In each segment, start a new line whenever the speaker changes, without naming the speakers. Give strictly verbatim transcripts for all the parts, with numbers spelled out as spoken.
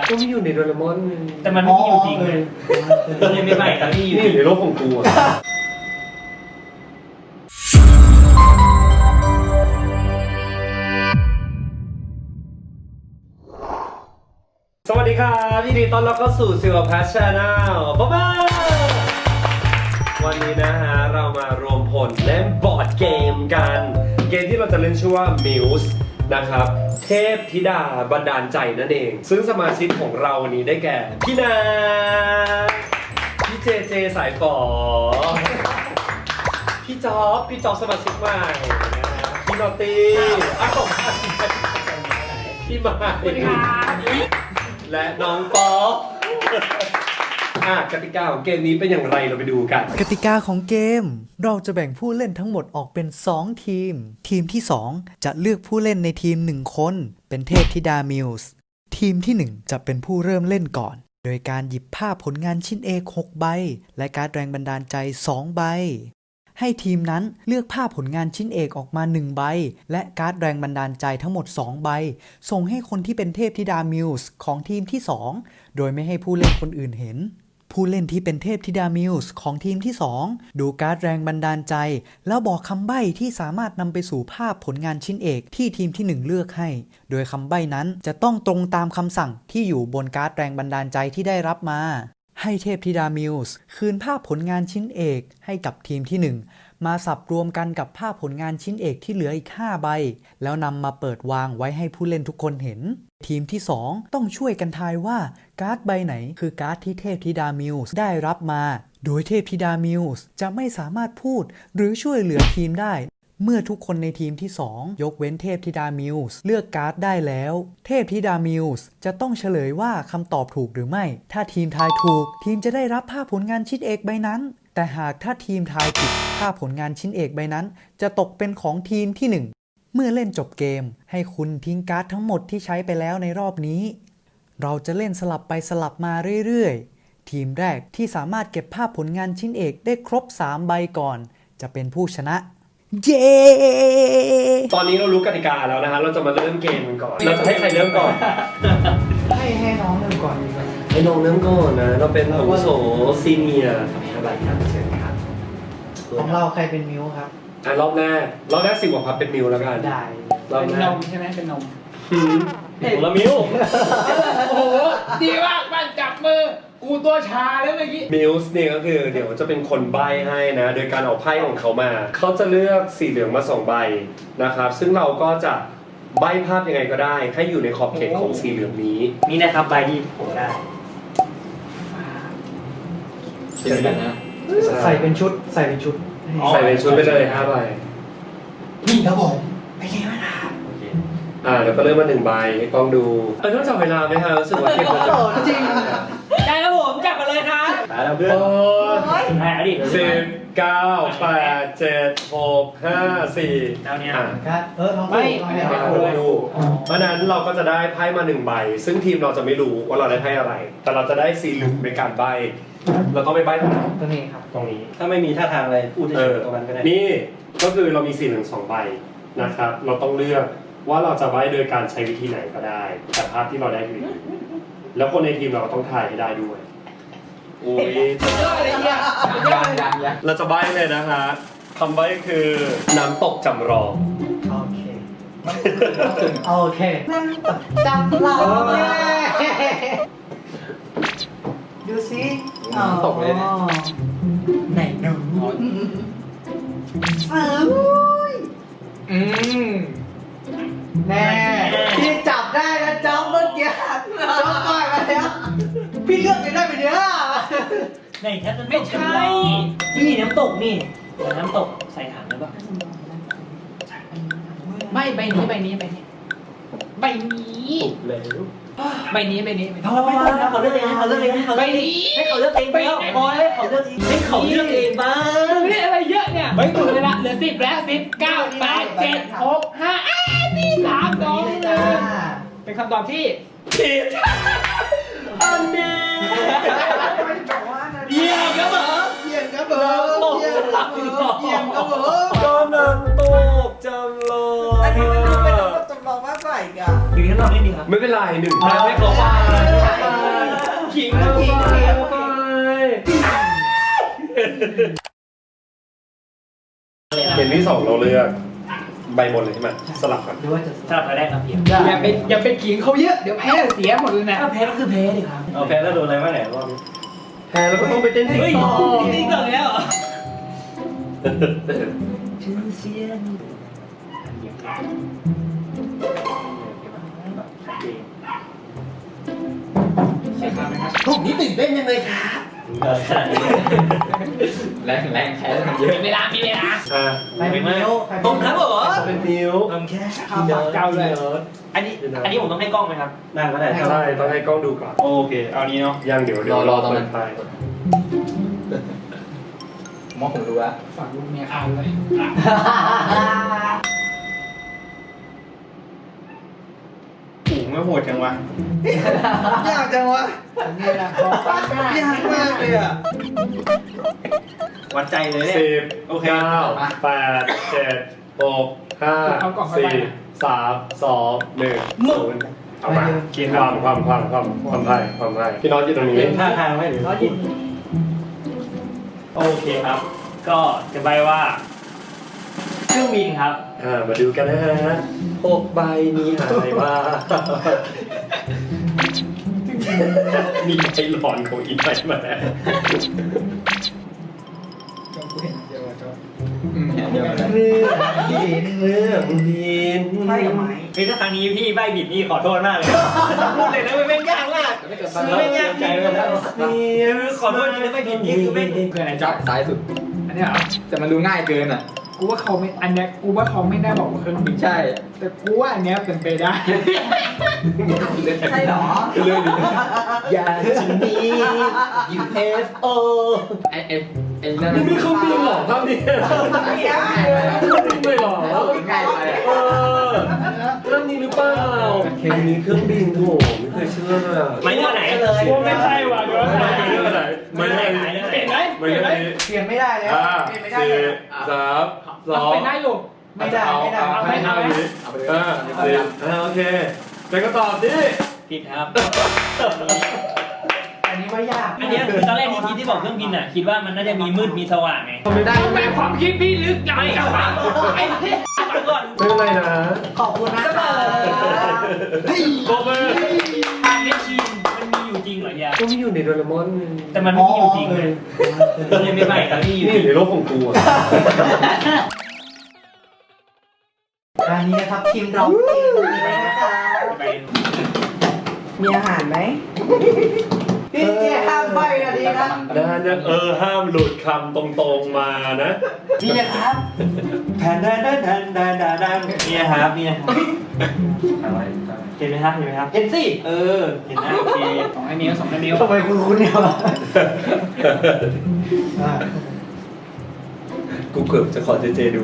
ก็ไม่อยู่ในโดเรมอน
แต่มันไม่มีอยู่จริงเลยเล่นไม่ใหม่แต่ไม่อยู่
ในโลกของกูอะสวัสดีครับยินดีต้อนรับเข้าสู่ซิลพัชชาแนลบ๊ายบายวันนี้นะฮะเรามารวมพลเล่นบอร์ดเกมกันเกมที่เราจะเล่นชื่อว่า Muse นะครับเทพธิดาบันดาลใจนั่นเองซึ่งสมาชิกของเราวันนี้ได้แก่พี่นาพี่เจเจสายฝอพี่จ๊อบพี่จ๊อบสมาชิกใหม่พี่นอตตี้อ้าวพี่มาและน้องป๊อปอ่ะกติกาของเกมนี้เป็นอย่างไรเราไปดูกัน
กติกาของเกมเราจะแบ่งผู้เล่นทั้งหมดออกเป็นสองทีมทีมที่สองจะเลือกผู้เล่นในทีมหนึ่งคนเป็นเทพธิดามิวส์ทีมที่หนึ่งจะเป็นผู้เริ่มเล่นก่อนโดยการหยิบภาพผลงานชิ้นเอกหกใบและการ์ดแรงบันดาลใจสองใบให้ทีมนั้นเลือกภาพผลงานชิ้นเอกออกมาหนึ่งใบและการ์ดแรงบันดาลใจทั้งหมดสองใบส่งให้คนที่เป็นเทพธิดามิวส์ของทีมที่สองโดยไม่ให้ผู้เล่นคนอื่นเห็นผู้เล่นที่เป็นเทพธิดามิวส์ของทีมที่สองดูการ์ดแรงบันดาลใจแล้วบอกคำใบ้ที่สามารถนำไปสู่ภาพผลงานชิ้นเอกที่ทีมที่หนึ่งเลือกให้โดยคำใบ้นั้นจะต้องตรงตามคำสั่งที่อยู่บนการ์ดแรงบันดาลใจที่ได้รับมาให้เทพธิดามิวส์คืนภาพผลงานชิ้นเอกให้กับทีมที่หนึ่งมาสับรวมกันกับภาพผลงานชิ้นเอกที่เหลืออีกห้าใบแล้วนำมาเปิดวางไว้ให้ผู้เล่นทุกคนเห็นทีมที่สองต้องช่วยกันทายว่าการ์ดใบไหนคือการ์ดที่เทพธิดามิวส์ได้รับมาโดยเทพธิดามิวส์จะไม่สามารถพูดหรือช่วยเหลือทีมได้เมื่อทุกคนในทีมที่สองยกเว้นเทพธิดามิวส์เลือกการ์ดได้แล้วเทพธิดามิวส์จะต้องเฉลยว่าคำตอบถูกหรือไม่ถ้าทีมทายถูกทีมจะได้รับภาพผลงานชิ้นเอกใบนั้นแต่หากถ้าทีมทายผิดภาพผลงานชิ้นเอกใบนั้นจะตกเป็นของทีมที่หนึ่งเมื่อเล่นจบเกมให้คุณทิ้งการ์ดทั้งหมดที่ใช้ไปแล้วในรอบนี้เราจะเล่นสลับไปสลับมาเรื่อยๆทีมแรกที่สามารถเก็บภาพผลงานชิ้นเอกได้ครบสามใบก่อนจะเป็นผู้ชนะเย้
ตอนนี้เรารู้กติกาแล้วนะฮะเราจะมาเริ่มเกมกันก่อนเราจะให้ใครเริ่มก่อน
ให้ให้น้องเริ่มก่อนดีกว่า
ให้น้องเริ่มก่อนนะเราเป็นอาวุโสซีเนียร์สบายครับเชิญครับ
ของเราใครเป็นมิวครับ
อ่ะรอบแรกรอบแรกสิบกว่าพับเป็นมิวแล้วกัน
ได้
เป็นนมใช่ไหมเป็นนม
เห็นละมิว
โอ้โหดีมากมันจับมือกูตัวชาแล้วเมื่อกี้
มิวส์เนี่ยก็คือเดี๋ยวจะเป็นคนใบ้ให้นะโดยการเอาไพ่ของเขามาเขาจะเลือกสีเหลืองมาสองใบนะครับซึ่งเราก็จะใบ้ภาพยังไงก็ได้ให้อยู่ในขอบเขตของสีเหลืองนี้
นี่นะครับใบที่ผมได้
เดี๋ยวนะใส่เป็นชุดใส่เป็นชุด
ใส่เป็นชุดไปเลยห้าใบ
นี่ครับผมไปเลยมาดา
อ่าเดี๋ยวก็เริ่มมาหนึ่งใบให้กล้องดูเออต้องจับเวลาไหมฮะรู้สึกว่าเก็บแล้ว
จริง
ได้แล้วผมจับมาเลยครับ
มาแล้วเพื่อน
แพ้ดิ
สิบเก้าแปดเจ็ดหกห้าสี่
แล้วเนี่ย
ครับเออลอง
ไม่
ไม่ไม่ดูเพราะนั้นเราก็จะได้ไพ่มาหนึ่งใบซึ่งทีมเราจะไม่รู้ว่าเราได้ไพ่อะไรแต่เราจะได้สีเหลืองในการใบเราต้องไปใบตรงไหน
ตรงนี้ครับ
ตรงนี้
ถ้าไม่มีท่าทางอะไรพูดเฉยๆตรงนั้นก็ได้
นี่ก็คือเรามีสีเหลืองสองใบนะครับเราต้องเลือกว่าเราจะใบ้โดยการใช้วิธีไหนก็ได้แต่ภาพที่เราได้คือแล้วคนในทีมเราก็ต้องทายให้ได้ด้วยโอ้ยเราจะใบ้เลยนะฮะคำใบ้คือน้ำตกจำลอง
โอเคโอเคน้ำตกจำลองดูสิ
น้ำตกเลย
ไหนหนูอืมแน่พี่จับได้นะจ๊อบเมื่อกี้จ๊อบก่อยมาแล้วพี่เลือกไปได้ไปเนี้ย
ไหนแค่ไม่ใช่นี่น้ำตกนี่น้ำตกใส่ถังหรือเปล่าไม่ใบนี้ใบนี้ใบนี้ใบนี้ใบนี้ใบนี้เขาไม่ต้องนะเขาเลือกเองเขาเลือกเองเขาใบนี้ให้เขาเลือกเองไปพอให้เขาเลือกเองให้เขาเลือกเองบ้างนี่อะไรเยอะเนี่ยไม่ถูกเลยละเหลือสิบแล้วสิบเก้าแปดเจ็ดหกห้าสี่สามสองหนึ่งเป็นคำตอบที่ผิดอันนี้เยี่ยมครับเหรอ
เยี่ยมครับเหรอ
ตกจำลอง
เยี่ยมครับเหรอ
ก็น้ำตกจำลอง
อันนี้มันดูเป็นน้ำตกจำลองมากกว่าอีกอ่ะ
หรือนอกนิดนึงครับ
ไม่เป็นไรหนึ่งแต้มให้เขาไปขิงเข้าไปเห็นที่สองเราเลือกใบบนเลยใช่ไหมสลับกัน
หรือว่าจะสลับไปแรกครับพี่อย่าไปอย่าไปขิงเขาเยอะเดี๋ยวแพ้เสียหมดเลยนะถ้าแพ้ก็คือแพ้ดิครับ
เอาแพ้แล้วโดนอะไรบ้างเนี่ยรอบนี้
แพ้แล้วก็ต้องไปเต้นติ๊ก
เฮ้ย
ต็อก
นี่ก่อนแล้วเหรอ
ผมนี่ตื่นเต้นยังเลยครับ
แรงแรงแพ้มันเยอะ
มีเวลามีเวลา
อ่า
ไปเป็นนิ้วผมครับผม
เป็นนิ้ว
ผมแค่ข้าวปากเจ้าเลยอันนี้อันนี้ผมต้องให้กล้องไหมครับ
นั่งก็ได้
ใช่ต้องให้กล้องดูก่อน
โอเคเอานี้เนาะ
ยังเดี๋ยวเดี๋ยว
รอรอตอนนั้น
ไป
มองผมดูแล้ว
ฝากลูกเมียข้าวเลย
หูไม่โหดจังวะ
ยากจังวะนี่แหละยากมากเลยอ่ะ
วัดใจเลยเนี่ย
สิบ
โอเค
เก้าแปดเจ็ดหกห้าสี่สามสองหนึ่งศูนย์เอามากินความความความความความไทยความไทยพี่น้องอยู่ตรงนี้
เล่นท่าทางไหมหรือ
ร้อยยิน
โอเคครับ ก็จะใบว่าเครื่องบินครับ
อ่ามาดูกันนะฮะหกใบนี้หายว่ามีใบหลอนของอีกใบมาแล้ว
เดี๋ยว
เรื่องเรื่องดิน
ใช่ไหม
เฮ้ยถ้าครั้งนี้พี่ใบผิดนี่ขอโทษมากเลยพูดเลยนะมันเป็นยากมากไม่ยากใจเลยนะขอโทษนะใบผิดนี่คือไม่
คืออะไร
จั
จ๊ะ
บซ้ายสุด
อันนี้เหรอ
แต่มันดูง่ายเกินอ่ะ
กูว่าเขาไม่อันเนี้ยกูว่าเขาไม่ได้บอกว่าเครื่องบิน
ใช่
แต่กูว่าอันเนี้ยเป็นไปได้
ใช่หรอ
เรื่องนี้อยากจะมี ยู เอฟ โอ
ไอ้ไอ้ไอ้นั่น
นี่ไม่เขาบินหรอครับเนี่ยไม่หรอ
ง่ายไปอ่ะ
เออเรื่องนี้หรือเปล่าเคมีเครื่องบินโถไม่เคยเชื่อเลยอะ
ไม่เท่าไหนเลย
ไม่ใช่ว่ะเดี๋ยว
ไม่เรื่องอะไรไม่เรื่องนี้
เปลี่ยนไหม
ไม่เรื่องนี้
เปลี่ยนไม่ได้แล้ว
ห้า
เปลี่ยนไม่ได้
สี่
เลย
สามสอง
เป็นได้อยู่ไม่ได้ไม่ได้
เอา
ไม่
ให้
ได้
ห้าวิ
เอาไปเลย
ห้าสี่อ่าโอเคเป็นคำตอบที่
ผิดครับ
อันนี้ว่ายาก
อันเนี้ยคือตอนแรกที่คิดที่บอกเครื่องบินอ่ะคิดว่ามันน่าจะมีมืดมีสว่างไง
ได้แม่ความคิดพี่ลึกยัง
ไม่กลับมาไอ้ฟังก่อน
ไม่เป็นไรนะ
ขอบคุณนะครับ
โบเบอร์
ทางเมชชีนมันมีอยู่จริงเหรอยา
ก็มีอยู่ในโดเรมอน
แต่มันไม่มีอยู่จริงเลยมันเลยไม่ใหม่แต่ไม่มีอยู่
นี่
จริง
ในโลกของกูอ่ะ
อันนี้นะครับทีมเราทีมนี้นะคะมีอาหารไหมพี่เจ๊ห้ามใบนะดีนะ
นะนะเออห้ามหลุดคำตรงๆมานะ
นี่นะครับ
แทนแทนแทนแทนแทนแทนแทนนี่นะครับนี่นะครับเห็นไหมครับเห็นไหมครับ
เห็นสิ
เออเห็นนะโอเค
สองไอ้นิ้วสองไอ้นิ้ว
ทำไมคุณคุณเนี่ยวะ
กูเกือบจะขอเจเจดู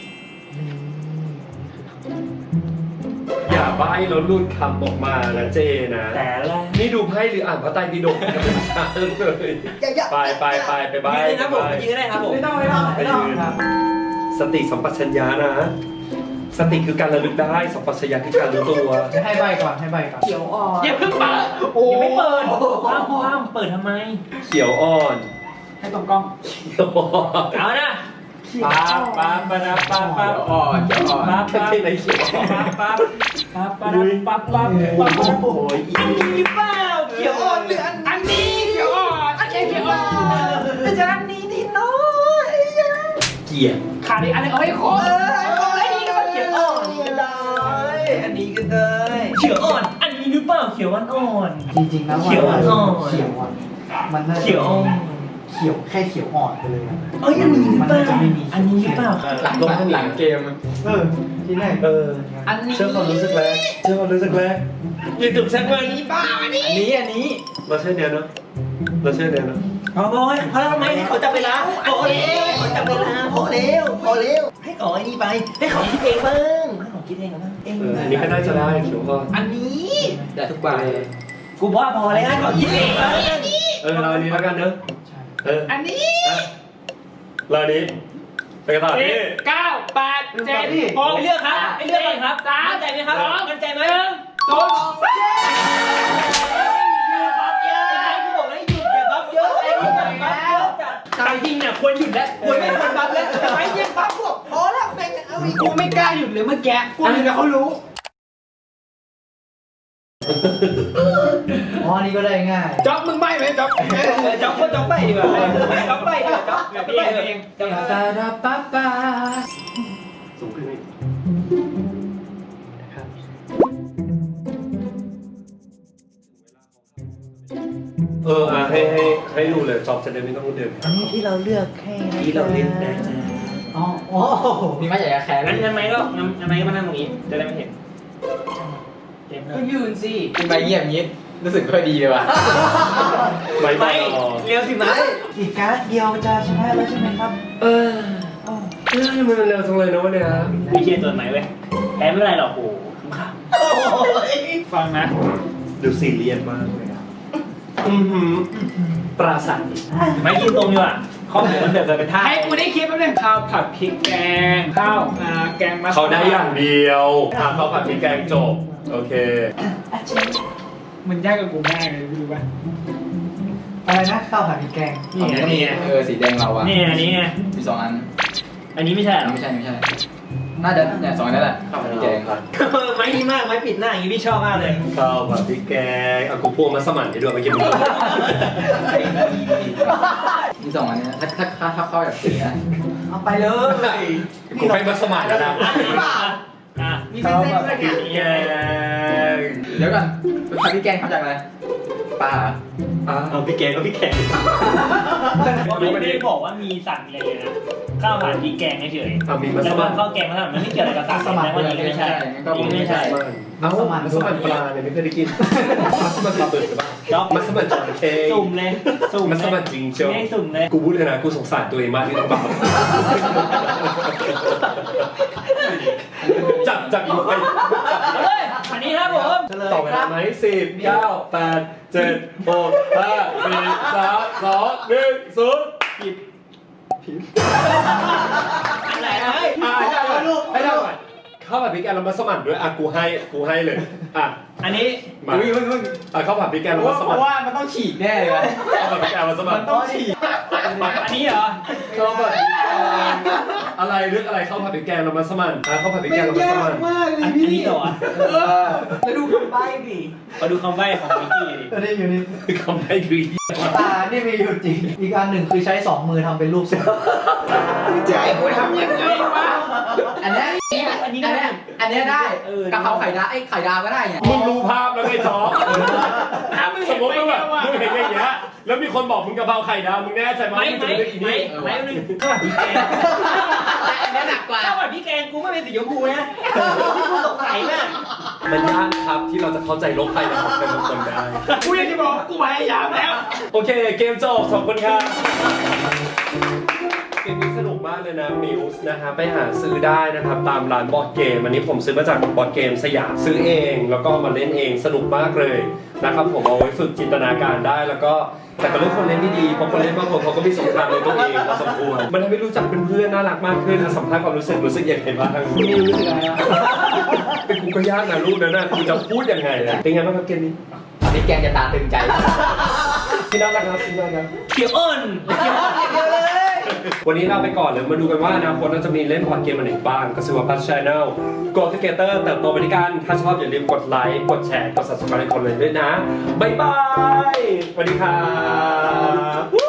อย่าใบ้แล้วหลุดคำออกมานะเจนะ
แต่ละ
นี่ดูไพ่หรืออ่านพระไตรปิฎกกันเป็นชาเลยไปไปไปไปใบ้
ยืนเลยครับผมยืนก็ได้ครับผม
ไม่ต้องไม่ต้อง
ไป
ไม่ต้อง
ยืนสติสัมปชัญญะนะ สติคือการระลึกได้สัมปชัญญะคือการรู้ตัว
จะให้ใบก่อนให้ใบก่อน
เขียวอ่อน
อย่าเพิ่งเปิดโอ้
ยังไม่เปิดว้ามว้ามเปิดทำไม
เขียวอ่อน
ให้ตรงกล้อง
เขียวอ่อน
เอานะป๊าบป๊าบป๊าบป๊าบป๊าบ
อ่อนเดี๋ยวอ่อน
ป๊าบป๊าบ
แค่ไหนเขียวอ่อน
ป๊าบป๊าบป๊าบป๊าบป๊าบป๊าบป๊าบ
โอ้ยอี
นี่เปล่า
เขียวอ่อนหรืออัน
อันนี้เขียวอ่อนอันนี้เขียวอ่อน
แต่จะอันนี้ที่น้อย
เกียร์
ขาดอีกอันนึงเอาให้ครบ
เอออันนี้ก็เขียวอ่อนนี่ก็ได้อันนี้ก็ได้
เขียวอ่อน อันนี้หรือเปล่าเขียวอ่อน
จริงๆแล้ว
เขียวอ่อน
เขียวอ่อนมันน่าจะ
เขียวอ่อน
เขียวแค่เขียวอ่อนไปเลยอะ
เอ้ยอันนี้หรือ
มัน
เปล่า
น่าจะไม่มี
อันนี้หรือเปล่า
หลังหลังหลังเกม
เออที่แรก
เออ
อันนี้
เชื่อความรู้สึกแรกเชื่อความรู้สึกแรกยืนถึงแซกมัน
อันนี้อันนี้
เราเชื่อเนี้ยเนาะเราเชื่อเนี้ยเนาะ
พอพอพอแล้วทำไมให้เขาจับเวลาพอแล้วเขาจับเวลาพอแล้วพอแล้วให้เขาไอ้นี่ไปให้เขาคิดเองบ้างให้เขาคิดเองบ้างเอง
เอออันนี้ก็น่าจะได้เขียวอ่อน
อันนี้
ได้ทุกใบ
กูว่าพอแล้วให้เขาคิดเองบ้าง
เออเราอันนี้แล้วกันเนอะเออ
อันนี้
เราอันนี้ไปกันต่อ
สิ
ที่
บเก้าแปดเจ็ดหก
ไปเลือกครับไปเลือกก่อนครับ
สาม
มั่นใจไหมครับ
สอง
มั่นใจไหม
หนึ่งโดนตายจริงเนี่ยควรหยุดแล้วควรไม่ควรบัฟแล้วทำไมยังบัฟพวกพอแล้วแม่งเอาอีกกูไม่กล้าหยุดเลยเมื่อกี้กูนึกว่าเขารู้
อ๋อนี่ก็ได้ง่าย
จ๊อบมึงใบ้ไหมจ๊อบจ๊อบก็จ๊อบใบ้ดีกว่าจ๊อบใบ้ดีกว่าจ๊อบพี่ใบ้เองจ๊อบปาราปาปา
สูงขึ้นอีกเอออ่ะให้ให้ให้ดูเลยจอบจะได้ไม่ต้องเดิน
อันนี้ที่เราเลือกให้นะ
ที่เราเล่นนะจ๊ะ
อ๋ออ๋อ
นี่ไม่อยากจะแคร์
งั้นงั้นไหมก็งั้นงั้นไหมก็มานั่งตรงนี้จะได้ไม่เห็นก็ยืนสิ
คุณไปเงียบงี้รู้สึกไม่ค่อยดีเลยว่ะ
ไม่
ไม่
ต่อ
เร็วสิไหม
อีกการ์ดเดียวจะชนะแล้วใช่ไหมครับ
เออเฮ้ยมันเร็วจังเลยนะวันเนี้ย
ไม่เชื่อตัวไหนเว้ยแพ้ไม่เป็นไรหรอกโอ้ขำฟังนะ
ดูซีเรียสมากเลยอะอือหือปราศัย
ไม่ยืนตรงดีกว่าข้อมูลมันเดือดเกินเป็นท่าให้กูได้คิดแป๊บนึงข้าวผัดพริกแกงข้าวอ่าแกงมัส
เขาได้อย่างเดียวอ่ะเขาผัดพริกแกงจบโอเค
มันยากกับกูมากเลยดูป่ะ
อะไรนะข้าวผัดพริกแกง
นี่ไงนี่ไง
เออสีแดงเราอ่ะ
นี่อันนี้ไง
มีสองอัน
อันนี้ไม่ใช่หรอ
ไม่ใช่ไม่ใช่น่าจะเนี่ยสองอันนั่นแหละข้าวผัดแกง
ไม้ดีมากไม้ปิดหน้าอย่างนี้พี่ชอบมากเลย
ข้าวผัดพริกแกงอ่ะกูพวงมาสมั่นให้ด้วยเมื่อกี้มึง
มีสองอันนี้ถ้าถ้าถ้าถ้าเข้าแบบสีนะ
เอาไปเลย
กูให้มาสมั่นแล้วนะ
อ่ะ
มีเส้นๆด้วยเนี่ย
แกง
เดี๋ยวก่อนผัดพริกแกงทำจากอะไรปลา
อ่ะ
เอาพี่แกงก็พี่แกงไม่ได้บอกว่ามีสั่งเลยนะข้าวผัดพริกแกงเฉย
อ่ะมีมาส
แต่
มั่
ว่าน ข้าวแกงมันมันไม่เกี่ยวอะไรกับตักนะว่านี้ไม่ใช่นี่ไม่ใช่
เอ้ามัสมั่นปลาเนี่ยไม่เคยได้กินมัสมั่นปลาเปิดหรือเปล่า
จ๊อบ
มัสมั่นจระเข้
สุ่มเลยสุ่ม
มัสมั่นจริงเชียว
ไม่สุ่มเลย
กูพูดเลยนะกูสงสารตัวเองมากที่ต้องบาปจับจับอีกไป
เฮ้ยอันนี้ครับผม
ต่อเวลาไหมสิบเก้าแปดเจ็ดหกห้าสี่สามสองหนึ่งศูนย์ผิดผิด
อะไรนะ
อ่ะให้ได้ก่อนให้ได้ก่อนข้าวผัดพริกแกงเรามาสมั่นด้วยอ่ะกูให้กูให้เลยอ่ะ
อันนี้
มา
อุ้ยอุ้ยอุ้ย
อ่ะข้าวผัดพริกแกงเรา
เพราะ
มา
ว่า
ส
เพ
มั่น
ราะว่ามันต้องฉีกแน่เลยว่ะ
ข้าวผัดพริกแกงมาสมั่น
มันต้องฉีก
อันนี้เหรอ
ข้าวผัดพริกแกงอะไรเรื่องอะไรข้าวผัดพริกแกงเรามาสมั่นอ่ะข้าวผัดพริกแกงเรามาสมั่น
อันนี้เหรอ
แล้วดูคำใบ้ดิ
มาดูคำใบ้ของมิกกี้ดิ
อันนี้อยู่นี่
คำให้คือ
ตานี่มีอยู่จริง อีกอันหนึ่งคือใช้สองมือทำเป็นรูปเสือ
ใจกูทำยังไงวะ
อันเนี้ย
อันนี้
อัน
ได้
เนี้ยอันเนี้ยได้
เออก
ะเพราไข่ดาวไอ้ไข่ดาวก็ได้เนี่ย
มึงรู้ภาพแล้วไงจ๊อบ
ถ้ามึง
ส
เห็
ม
น
มติ
ไป
ว่า
แล้
แบบ
วอ่ะ
มึงเห็นอย่างเงี้ยแล้วมีคนบอกมึงกะเพราไข่ดาวมึงแน่ใจไหม
ไม่
มึงจะ
ไม่
เลือกอี
ไม่
นี่
ไม่หนึ่งข้าวผัดพริกแกง
อันเนี้ยหนักกว่า
ข้าวผัดพริกแกงกูไม่เป็นสีชมพูนะที่กูสงสัยน่ะ
มันยากครับที่เราจะเข้าใจโลกภายในของเป็นคนได้
กูยังจะบอกกูพยายามแล้ว
โอเคเกมจบขอบคุณครับเกมนี้สนุกมากเลยนะมิวส์นะฮะไปหาซื้อได้นะครับตามร้านบอร์ดเกมอันนี้ผมซื้อมาจากบอร์ดเกมสยามซื้อเองแล้วก็มาเล่นเองสนุกมากเลยนะครับผมเอาไว้ฝึกจินตนาการได้แล้วก็แต่ก็เลือกคนเล่นที่ดีเพราะคนเล่นบางคนเขาก็มีสงครามในตัวเองพอสมควรมันทำให้รู้จักเป็นเพื่อนน่ารักมากขึ้นสัมภาษณ์ความรู้สึกรู้สึกยังไงบ้างมิวรู้สึกอะไรอ่ะเป็นกูก็ยากนะรูปนั้นนะกูจะพูดยังไงนะเป็นไงบ้างครับเกมนี้
ผัดพริกแกงจะตาตึงใจ
พี่น่ารักครับพี่น่ารัก
เขียวอ้นเขียวอ้นเดียวเลย
วันนี้เราไปก่อนเลยมาดูกันว่าอนาคตเราจะมีเล่นบอร์ดเกมอะไรบ้างก็คือว่าพัชชแนล Go Together เติบโตไปด้วยกันถ้าชอบอย่าลืมกดไลค์กดแชร์กด Subscribe ให้คนเลยด้วยนะบ๊ายบายสวัสดีครับ